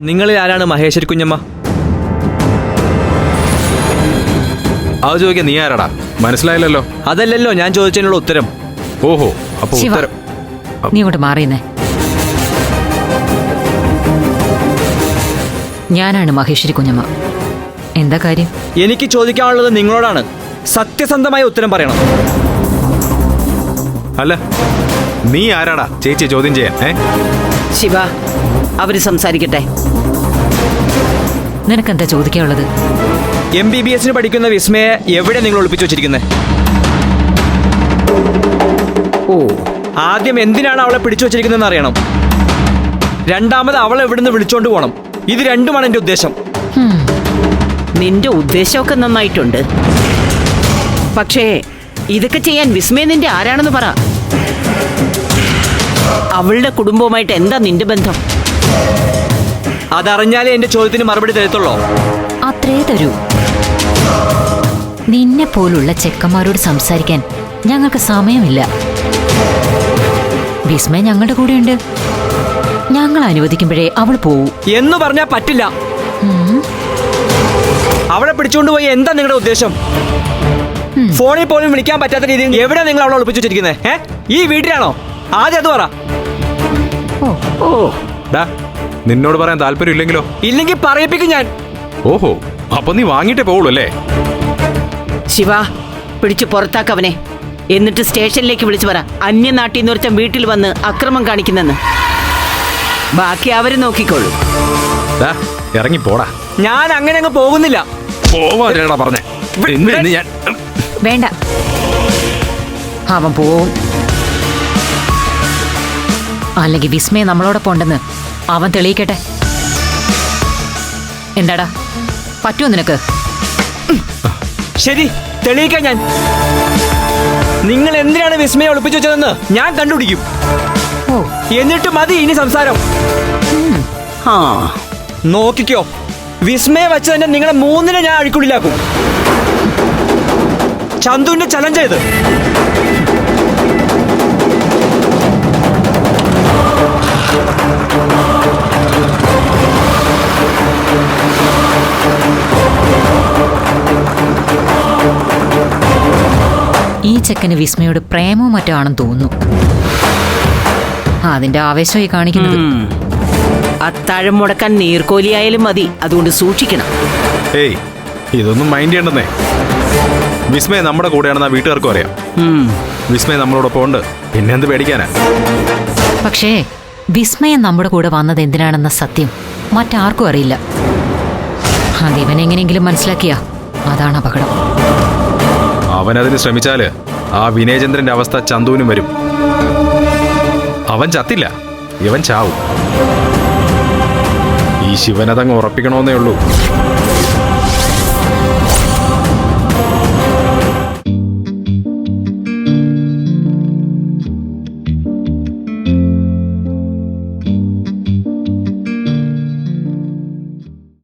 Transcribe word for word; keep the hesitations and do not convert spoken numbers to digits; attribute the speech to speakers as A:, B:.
A: നിങ്ങളിൽ ആരാണ് മഹേശ്വരി കുഞ്ഞമ്മ?
B: അത് ചോദിക്കാൻ നീ ആരാടാ? മനസ്സിലായില്ലല്ലോ.
A: അതല്ലല്ലോ ഞാൻ ചോദിച്ചതിനുള്ള ഉത്തരം.
B: ഓഹോ, അപ്പൊ ഉത്തരം
C: നീ ഇങ്ങോട്ട് മാറിയെന്നേ. ഞാനാണ് മഹേശ്വരി കുഞ്ഞമ്മ. എന്താ കാര്യം?
A: എനിക്ക് ചോദിക്കാനുള്ളത് നിങ്ങളോടാണ്. സത്യസന്ധമായ ഉത്തരം പറയണം.
B: അല്ല, നീ ആരാടാ ചേച്ചി ചോദ്യം ചെയ്യാൻ? ഏ
D: ശിവ, അവര് സംസാരിക്കട്ടെ.
C: നിനക്കെന്താ ചോദിക്കാനുള്ളത്?
A: എം ബി ബി എസിന് പഠിക്കുന്ന വിസ്മയെ എവിടെ നിങ്ങൾ ഒളിപ്പിച്ചു വെച്ചിരിക്കുന്നത്?
D: ഓ,
A: ആദ്യം എന്തിനാണ് അവളെ പിടിച്ചു വെച്ചിരിക്കുന്നതെന്ന് അറിയണം. രണ്ടാമത് അവളെ എവിടുന്ന് വിളിച്ചോണ്ട് പോകണം. ഇത് രണ്ടുമാണ് എന്റെ ഉദ്ദേശം.
D: നിന്റെ ഉദ്ദേശമൊക്കെ നന്നായിട്ടുണ്ട്. പക്ഷേ ഇതൊക്കെ ചെയ്യാൻ വിസ്മയ നിന്റെ ആരാണെന്ന് പറ. അവളുടെ കുടുംബവുമായിട്ട് എന്താ നിന്റെ ബന്ധം?
A: അതറിഞ്ഞാലേ എന്റെ ചോദ്യത്തിന് മറുപടി തരത്തുള്ളൂ.
C: അത്രേ തരൂ. നിന്നെ പോലുള്ള ചെക്കന്മാരോട് സംസാരിക്കാൻ ഞങ്ങൾക്ക് സമയമില്ല. വിസ്മയ ഞങ്ങളുടെ കൂടെയുണ്ട്. ഞങ്ങൾ അനുവദിക്കുമ്പോഴേ അവൾ പോവൂ
A: എന്ന് പറഞ്ഞാൽ പറ്റില്ല. അവളെ പിടിച്ചുകൊണ്ട് പോയി എന്താ നിങ്ങളുടെ ഉദ്ദേശം? ഫോണിൽ പോലും വിളിക്കാൻ പറ്റാത്ത രീതിയിൽ എവിടെ നിങ്ങൾ അവളെ ഒളിപ്പിച്ചു വെച്ചിരിക്കുന്നത്? ഏ ഈ വീട്ടിലാണോ? ആദ്യം അത് പറ.
D: ഓ,
B: ഡാ, നിന്നോട് പറയാൻ താല്പര്യം ഇല്ലെങ്കിലോ?
A: ഇല്ലെങ്കിൽ പറയിപ്പിക്കും ഞാൻ.
B: ഓഹോ, അപ്പൊ നീ വാങ്ങിട്ടേ പോവുള്ളൂ അല്ലേ?
D: ശിവ, പിടിച്ചു പുറത്താക്കവനെ. എന്നിട്ട് സ്റ്റേഷനിലേക്ക് വിളിച്ചു പറ, അന്യനാട്ടിൽ നിന്ന് ഒരുത്തൻ വീട്ടിൽ വന്ന് അക്രമം കാണിക്കുന്നെന്ന്. ബാക്കി അവര് നോക്കിക്കോളൂ.
B: ഡാ, ഇറങ്ങി പോടാ.
A: ഞാൻ അങ്ങനെ അങ്ങ് പോകുന്നില്ല.
B: പോവാ പറഞ്ഞേ. ഞാൻ
C: വേണ്ട, അവൻ പോവും. അല്ലെങ്കിൽ വിസ്മയ നമ്മളോടൊപ്പം ഉണ്ടെന്ന് അവൻ തെളിയിക്കട്ടെ. എന്താടാ, പറ്റുമോ നിനക്ക്?
A: ശരി, തെളിയിക്കാൻ ഞാൻ. നിങ്ങൾ എന്തിനാണ് വിസ്മയെ ഒളിപ്പിച്ചു വെച്ചതെന്ന് ഞാൻ കണ്ടുപിടിക്കും.
C: ഓ,
A: എന്നിട്ട് മതി ഇനി സംസാരം.
D: ആ,
A: നോക്കിക്കോ, വിസ്മയെ വെച്ച് തന്നെ നിങ്ങളെ മൂന്നിനെ ഞാൻ അഴിക്കുള്ളിലാക്കും. ചന്തുവിന്റെ ചലഞ്ച് ചെയ്ത്
C: ഈ ചെക്കന് വിസ്മയോട് പ്രേമവും മറ്റോ ആണെന്ന് തോന്നുന്നു. അതിന്റെ ആവേശമായി കാണിക്കുന്നത്.
D: അത്താഴം മുടക്കാൻ നീർക്കോലിയായാലും മതി. അതുകൊണ്ട് സൂക്ഷിക്കണം.
B: ഏയ്, ഇതൊന്നും മൈൻഡ് ചെയ്യണ്ടെന്നേ. വിസ്മയ നമ്മുടെ കൂടെയാണെന്ന് ആ വീട്ടുകാർക്കും അറിയാം. വിസ്മയ നമ്മളോടൊപ്പം ഉണ്ട്, പിന്നെ എന്ത് പേടിക്കാനാ?
C: പക്ഷേ വിസ്മയം നമ്മുടെ കൂടെ വന്നത് എന്തിനാണെന്ന സത്യം മറ്റാർക്കും അറിയില്ല. അതിവനെങ്ങനെയെങ്കിലും മനസ്സിലാക്കിയാ അതാണ് അപകടം.
B: അവനതിന് ശ്രമിച്ചാല് ആ വിനയചന്ദ്രന്റെ അവസ്ഥ ചന്തുവിനും വരും. അവൻ ചത്തില്ല, ഇവൻ ചാവും. ഈ ശിവനതങ്ങ് ഉറപ്പിക്കണമെന്നേ ഉള്ളൂ.